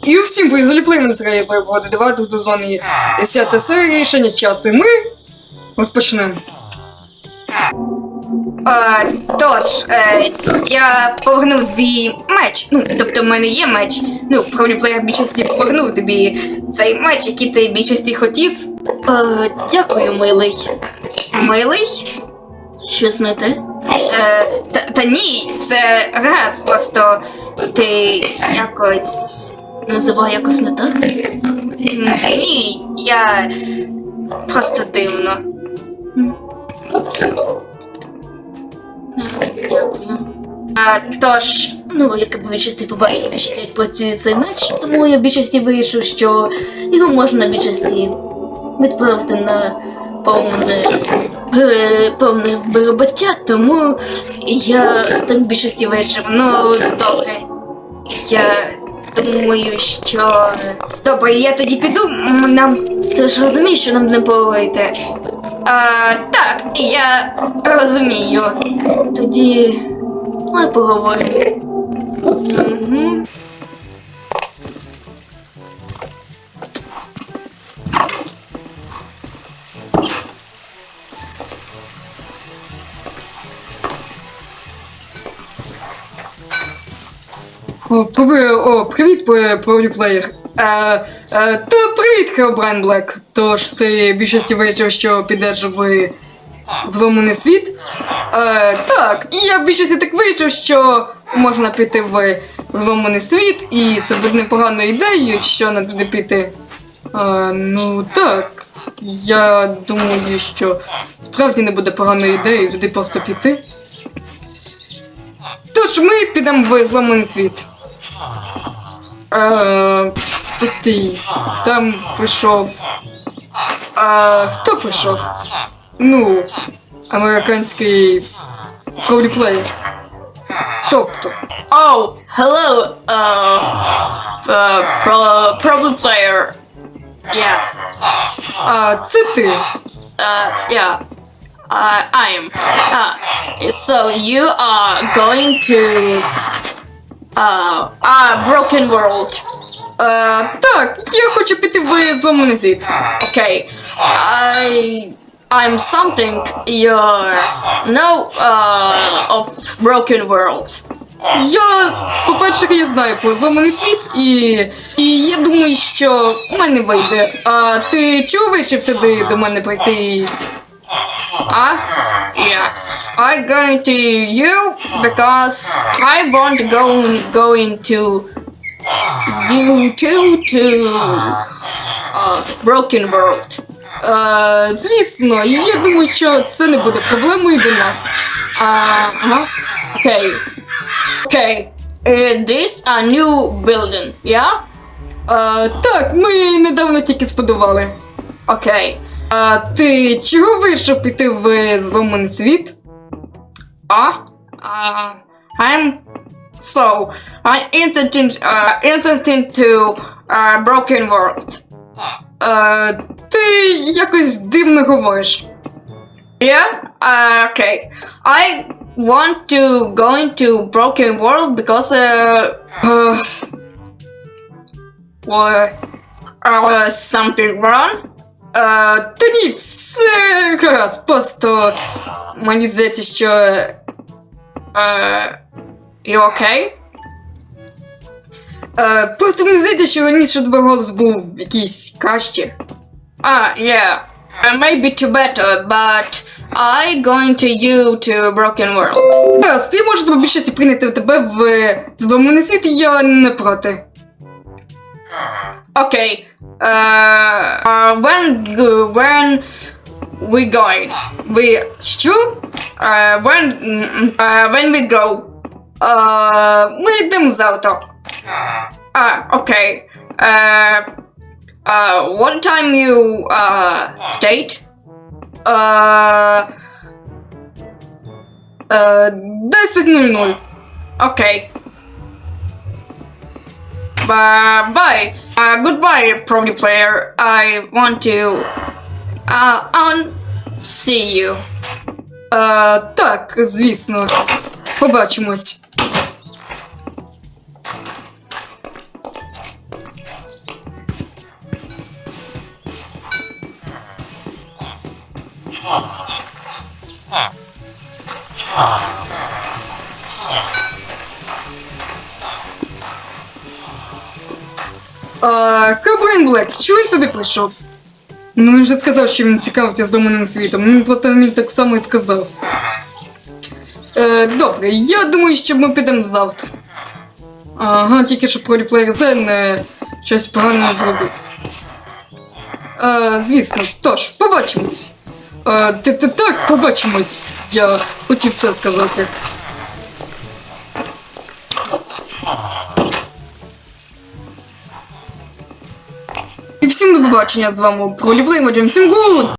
І всім призволі на серії буде 9 сезоні 10 серії рішення часу. І ми розпочнемо. Я повернув твій меч. Тобто в мене є меч. Проліплеєр в більшості повернув тобі цей меч, який ти в більшості хотів. Дякую, милий. Милий? Щось не те? Та ні, все гаразд, просто ти якось... Називай якось не так? Ні, я... просто дивно. Дякую. Тож... Як в більшості побачив, як працює цей меч, тому я в більшості вирішив, що його можна в більшості відправити на повне виробиття, тому я так в більшості вирішив. Добре. Я думаю, що... Добре, я тоді піду, Ти ж розумієш, що нам не поговорити? Так, я розумію. Тоді... Давай поговоримо. Угу. Привіт, проліплеєр. Привіт, Херобрайн Блек. Тож ти в більшості вирішив, що підеш в зломаний світ? Так, я в більшості так вирішив, що можна піти в зломаний світ, і це буде непоганою ідеєю, що нам туди піти. Так, я думаю, що справді не буде поганою ідеєю туди просто піти. Тож ми підемо в зломаний світ. Постій, там прийшов... хто прийшов? Американський проліплеєр. Тобто. Oh, hello, problem player. Yeah. Це ти. Yeah. I'm. So you are going to Broken World. Так, я хочу піти в зломаний світ. Okay. I'm something you know of Broken World. По-перше, я знаю про зломаний світ, і я думаю, що в мене вийде. Ти чого вирішив сюди до мене прийти? Yeah. I'm going to you because I want going to you to Broken World. Звісно, я думаю, що це не буде проблемою для нас. Okay. This a new building, yeah? Так, ми недавно тільки збудували. Okay. Ти чого вирішив піти в зломаний світ? I'm interested to Broken World. Ти якось дивно говориш. Yeah? Okay. I want to go into Broken World because something wrong? Та ні, все гаразд, просто мені здається, що... You okay? Просто мені здається, що раніше тебе голос був якийсь краще. Yeah. Maybe to better, but I going to you to Broken World. Гаразд, я можу тебе більшості прийняти тебе в зломаний світ, і я не проти. Okay. When we going? Що? When we go? Ми йдемо завтра. Okay. What time you state? 10:00. Okay. Bye. Goodbye, Probably Player. I want to see you. Так, звісно. Побачимось. Херобрайн Блек, чого він сюди прийшов? Ну він же сказав, що він цікавиться зломаним світом. Він просто мені так само і сказав. Добре, я думаю, що ми підемо завтра. Ага, тільки що проліплеєр Зен щось погане не зробив. Звісно, тож, побачимось. Так, побачимось. Я хотів все сказати. І всім до побачення, з вами Проліплеєр, всім гуд!